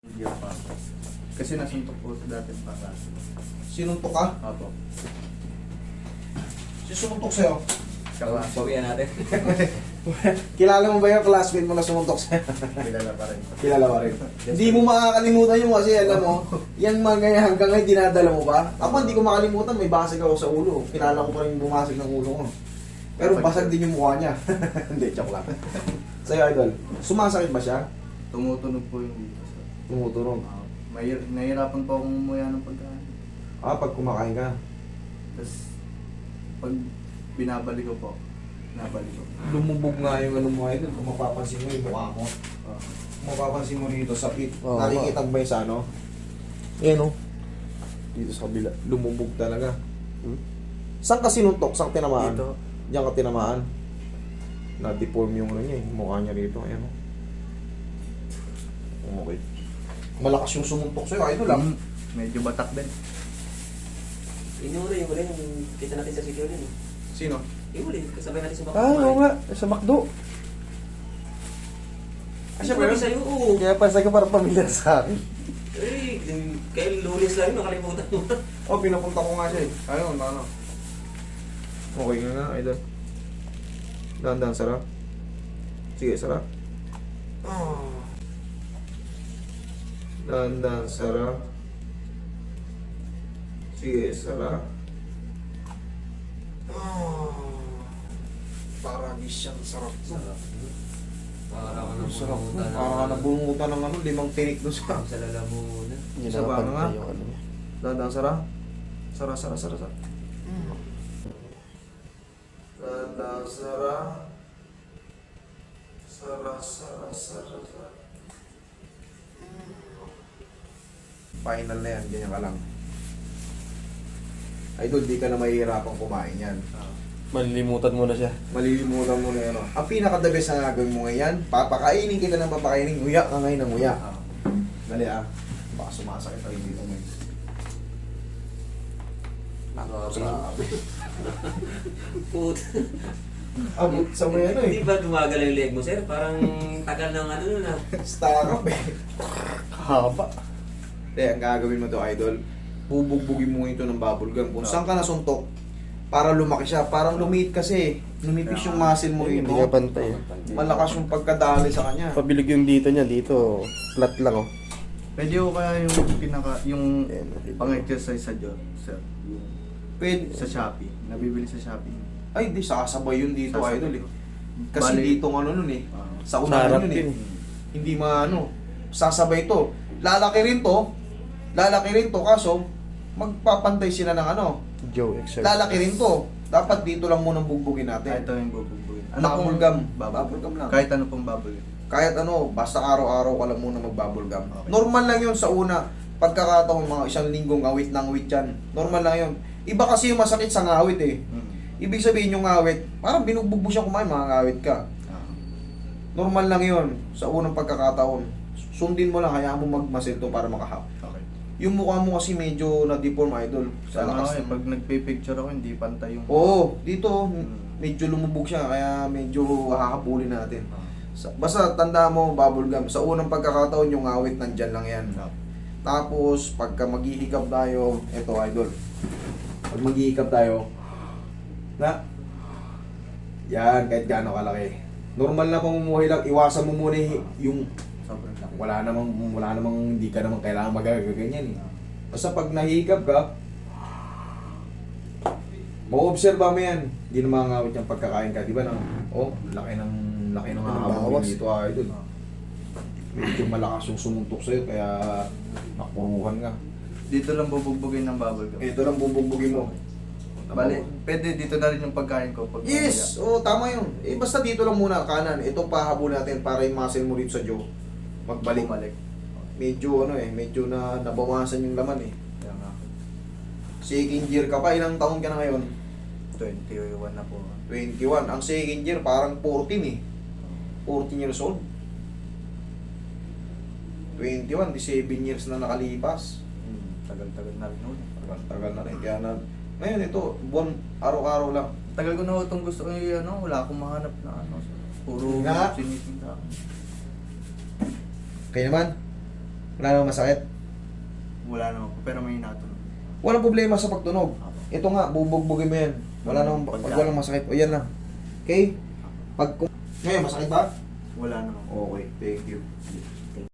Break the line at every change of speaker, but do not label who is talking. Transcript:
Hindi pa. Kasi nasuntok po sa dating pangasi.
Sinuntok ka?
Apo.
Si sumuntok sa'yo?
Kaklase.
Pawian natin.
Kilala mo ba yung classmate mo na sumuntok sa'yo?
Kilala pa rin.
Kilala mo rin. Hindi mo makakalimutan yung kasi alam mo, yan mga ganyan hanggang ngayon dinadala mo ba? Ako hindi ko makalimutan, may basag ako sa ulo. Kilala ko pa rin yung bumasag ng ulo ko. Pero basag din yung mukha niya. Hindi, joke lang. Sa'yo, idol, sumasakit ba siya?
Tumutunog po yung dito. Sir.
Tumuturong.
Nahihirapan po akong umuya ng pagkain.
Pag kumakain ka.
Tapos, pag binabalik ko po, nabalik ko.
Lumubog nga yung ano mo, idol. Kung mapapansin mo yung mukha mo.
Ah.
Kung mapapansin mo rito sa pit,
Oo,
nakikita mo ba yung sa ano?
Yan o. Dito sa kabila.
Lumubog talaga.
Hmm?
Saan ka sinuntok? Saan tinamaan?
Dito.
Diyan ka tinamaan. Na-deform yung ano niya, yung mukha niya rito. Ayan o. Okay. Malakas yung sumuntok sa'yo, idol lang.
Medyo batak din.
Inuli, yung kita natin sa security. No?
Sino?
Inuli, kasabay natin sa baka.
Oo nga. Sa McDo.
Siya ba sa'yo? Oo.
Kaya pa sa para pamilyar sa akin.
Eh, kaya lunes lang yun, nakalimutan mo.
Pinapunta ko nga siya eh. Ayun, ano. Okay nga nga, idol. Dahan-dahan, sarap. Sige, sarap. Dahan-dahan, sarap. Sige, sarap. Parang siyang sarap.
Para ka
Sarap.
nabungutan.
Parang nabungutan ng ano, 5 tinik doon sa...
Sa lalamunan.
Yun
Sa
na
banga nga.
pantay yung ano niya.
Dahan-dahan, sarap. Sarap, sarap, sarap, sarap. Dahan-dahan, sarap. Sarap, sarap, sarap, sarap. Final na yan, ganyan ka lang. Idol, di ka na mahihirapang kumain yan.
Malilimutan mo na siya.
Malilimutan mo na yan. Oh. Ang pinaka-the best na gagawin mo ngayon, papakainin kita ng papakainin, nguya ka ngayon ng nguya. Dali baka sumasakit tayo dito ngayon. Grabe.
Put.
Abot sa may ano
Hindi
eh.
ba gumagalaw yung leg mo, sir? Parang tagal ng ano na.
Stack up eh.
Haba.
Hindi, ang gagawin mo to, idol, bubugbugin mo ito ng bubble gum. Kung saan ka nasuntok, para lumaki siya. Parang lumit kasi. Lumipis yung muscle mo rito.
Hindi ka pantay.
Malakas yung pagkadali sa kanya.
Pabilig yung dito niya. Dito, flat lang oh.
Pwede ko kaya yung yung pang-exercise sa Diyon, sir.
Pwede.
Sa Shopee. Nabibili sa Shopee.
Ay, di sasabay yun dito,
Sasabay.
idol eh. Kasi
Bali-
dito ng ano nun eh. Sa
Sa
unahan
harap
yun eh.
yun.
Hindi maano. Sasabay to. Lalaki rin to. Lalaki rin to. Kaso, magpapantay sila ng ano.
Joe exercise.
Lalaki rin to. Dapat dito lang munang bugbugin natin.
Ito yung bubugbuin.
Bubble gum. Bubble gum lang.
Kahit ano pong bubble gum.
Kahit ano, basta araw-araw ka lang muna mag-bubble gum.
Okay.
Normal lang yun sa una. Pagkakataon, mga isang linggong awit ng awit yan. Normal lang yun. Iba kasi yung masakit sa ngawit eh. Ibig sabihin yung ngawit, parang binugbog mo siya kumain, mga ngawit ka. Normal lang yun sa unang pagkakataon. Sundin mo lang, hayaan mo magmasil to para makahap.
Okay.
Yung mukha mo kasi medyo na-deform, idol. Sa
Sana
lakas
ako pag nagpipicture ako, hindi pantay yung...
Oo, dito medyo lumubog siya kaya medyo hahabulin natin. Basta tanda mo, bubble gum. Sa unang pagkakataon yung ngawit nandyan lang yan. Tapos pagka maghihikap tayo, eto idol. Pag maghihikap tayo, na yan, kahit gaano kalaki. Normal na pamumuhay lang, iwasan mo muna yung
Sobrang laki.
wala namang hindi ka naman kailangan magagaganyan eh. Basta pag nahihikap ka, ma-obserba mo yan. Hindi na makangawit yung pagkakain ka, di ba? Laki ng hahabulin
bawas.
dito, idol. Medyo malakas yung sumuntok sa'yo, kaya nakuruhan ka.
Dito lang bubugbugin ng bubble gum.
Ito lang bubugbugin mo.
Bale, pwede dito na rin yung pagkain ko. Pag
Yes! Tama yun. Basta dito lang muna, kanan. Ito pahabol natin para yung muscle mo rito sa jaw. Magbalik.
Bumalik.
Medyo medyo na nabawasan yung laman eh.
Kaya nga.
Second year ka pa, ilang taon ka na ngayon?
21 na po.
21. Ang second year parang 14 eh. 14 years old. 21, 17 years na nakalipas.
Tagal-tagal na rin nun.
Tagal na rin. Kaya ngayon ito, buwan, araw-araw lang.
Tagal ko na itong gusto ko wala akong mahanap na ano. Puro
Nga.
siniting na.
Kaya naman, Wala namang masakit.
Wala naman po, pero may natunog.
Walang problema sa pagtunog. Ito nga, bubugbugin mo yan. Wala namang, pag walang masakit, o yan lang. Okay? Ngayon, masakit ba?
Wala naman po.
Okay, thank you.